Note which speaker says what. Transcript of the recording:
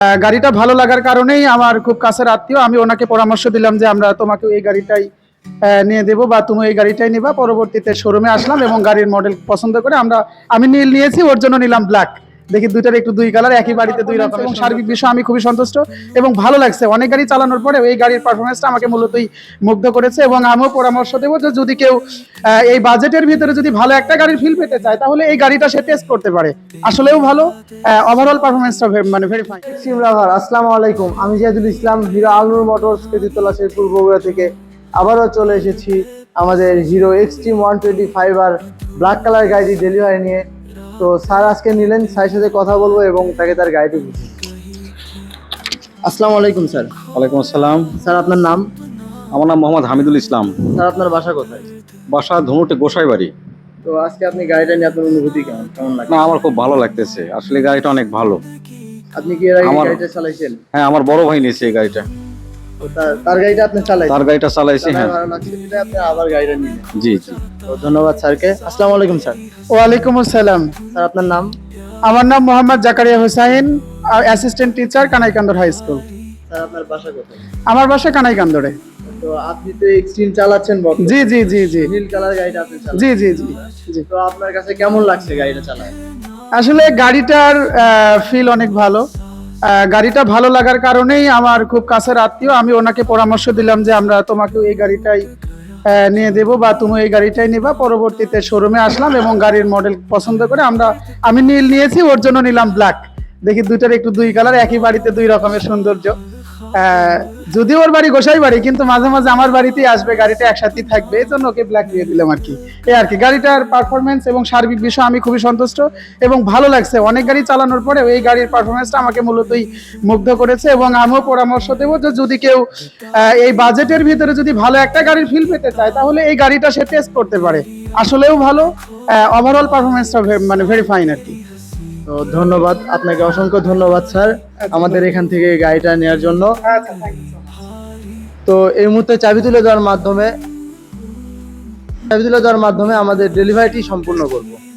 Speaker 1: গাড়িটা ভালো লাগার কারণেই আমার খুব কাছের আত্মীয়, আমি ওনাকে পরামর্শ দিলাম যে আমরা তোমাকে এই গাড়িটাই নিয়ে দেবো বা তুমি এই গাড়িটাই নিবা। পরবর্তীতে শোরুমে আসলাম এবং গাড়ির মডেল পছন্দ করে আমি নীল নিয়েছি, ওর জন্য নিলাম ব্ল্যাক। দেখি দুইটার একটু দুই কালার, একই বাড়িতে দুই রকম, এবং সার্বিক বিষয় আমি খুবই সন্তুষ্ট এবং ভালো লাগছে। অনেক গাড়ি চালানোর পরে এই গাড়ির পারফরমেন্সটা আমাকে মূলতই মুগ্ধ করেছে এবং আমিও পরামর্শ দেবো যে যদি কেউ এই বাজেটের ভিতরে যদি ভালো একটা গাড়ির ফিল পেতে চায় তাহলে এই গাড়িটা সে টেস্ট করতে পারে। আসলেও ভালো, ওভারঅল পারফরমেন্সটা মানে ভেরি ফাইন।
Speaker 2: আসসালামু আলাইকুম, আমি জিয়াদুল ইসলাম, হিরো আলনুর মোটরস কেতুতলা শেরপুর বগুড়া থেকে আবারও চলে এসেছি আমাদের হিরো এক্সট্রিম 125 আর ব্ল্যাক কালার গাড়িটি ডেলিভারি নিয়ে। তো স্যার আজকে নিলেন, স্যারের সাথে কথা বলবো এবং তাকে তার গাড়িটি বুঝি। আসসালামু আলাইকুম স্যার।
Speaker 3: ওয়ালাইকুম আসসালাম।
Speaker 2: স্যার আপনার নাম?
Speaker 3: আমার নাম মোহাম্মদ হামিদুল ইসলাম।
Speaker 2: স্যার আপনার বাসা কোথায়?
Speaker 3: বাসা ধনুটে গোসাইবাড়ি।
Speaker 2: তো আজকে আপনি গাড়িটা নিয়ে আপনার অনুভূতি কেমন লাগে?
Speaker 3: না, আমার খুব ভালো লাগতেছে, আসলে গাড়িটা অনেক ভালো।
Speaker 2: আপনি কি এর আগে গাড়িটা চালাইছেন?
Speaker 3: হ্যাঁ, আমার বড় ভাই নিয়েছে এই গাড়িটা।
Speaker 2: তো তার গাড়িটা আপনি চালাইছেন?
Speaker 3: তার গাড়িটা চালাইছি। হ্যাঁ,
Speaker 2: ভালো লাগছে যেটা আপনি আবার গাড়িটা নিলেন।
Speaker 3: জি জি।
Speaker 2: তো ধন্যবাদ স্যারকে। আসসালামু আলাইকুম স্যার।
Speaker 1: ওয়ালাইকুম আসসালাম।
Speaker 2: স্যার আপনার নাম?
Speaker 1: আমার নাম Mohammad Zakaria Hossain, assistant teacher, Kanaikandar high school.
Speaker 2: Sir আপনার বাসা কোথায়?
Speaker 1: আমার বাসা কানাইকান্দরে।
Speaker 2: তো আপনি তো এক্সট্রিম চালাচ্ছেন বর্তমানে।
Speaker 1: জি জি জি জি
Speaker 2: নীল কালার গাড়িটা আপনি চালাচ্ছেন।
Speaker 1: জি জি জি জি।
Speaker 2: তো আপনার কাছে কেমন লাগছে গাড়িটা চালায়?
Speaker 1: আসলে গাড়িটার ফিল অনেক ভালো। গাড়িটা ভালো লাগার কারণেই আমার খুব কাছের আত্মীয়, আমি ওনাকে পরামর্শ দিলাম যে আমরা তোমাকে এই গাড়িটাই নিয়ে দেবো বা তুমি এই গাড়িটাই নিবা। পরবর্তীতে শোরুমে আসলাম এবং গাড়ির মডেল পছন্দ করে আমি নীল নিয়েছি, ওর জন্য নিলাম ব্ল্যাক। দেখি দুইটার একটু দুই কালার, একই বাড়িতে দুই রকমের সৌন্দর্য। যদিও ওর বাড়ি গোসাই বাড়ি, কিন্তু মাঝে মাঝে আমার বাড়িতেই আসবে, গাড়িটা একসাথেই থাকবে, এই জন্য ওকে ব্ল্যাক দিয়ে দিলাম আর কি। এই আর কি, গাড়িটার পারফরমেন্স এবং সার্বিক বিষয় আমি খুবই সন্তুষ্ট এবং ভালো লাগছে। অনেক গাড়ি চালানোর পরে এই গাড়ির পারফরমেন্সটা আমাকে মূলতই মুগ্ধ করেছে এবং আমিও পরামর্শ দেবো যে যদি কেউ এই বাজেটের ভিতরে যদি ভালো একটা গাড়ির ফিল পেতে চায় তাহলে এই গাড়িটা সে টেস্ট করতে পারে। আসলেও ভালো, ওভারঅল পারফরমেন্সটা মানে ভেরি ফাইন আর কি।
Speaker 2: তো ধন্যবাদ আপনাকে, অসংখ্য ধন্যবাদ স্যার আমাদের এখান থেকে গাড়িটা নেওয়ার জন্য। তো এই মুহূর্তে চাবি তুলে দেওয়ার মাধ্যমে আমাদের ডেলিভারিটি সম্পূর্ণ করব।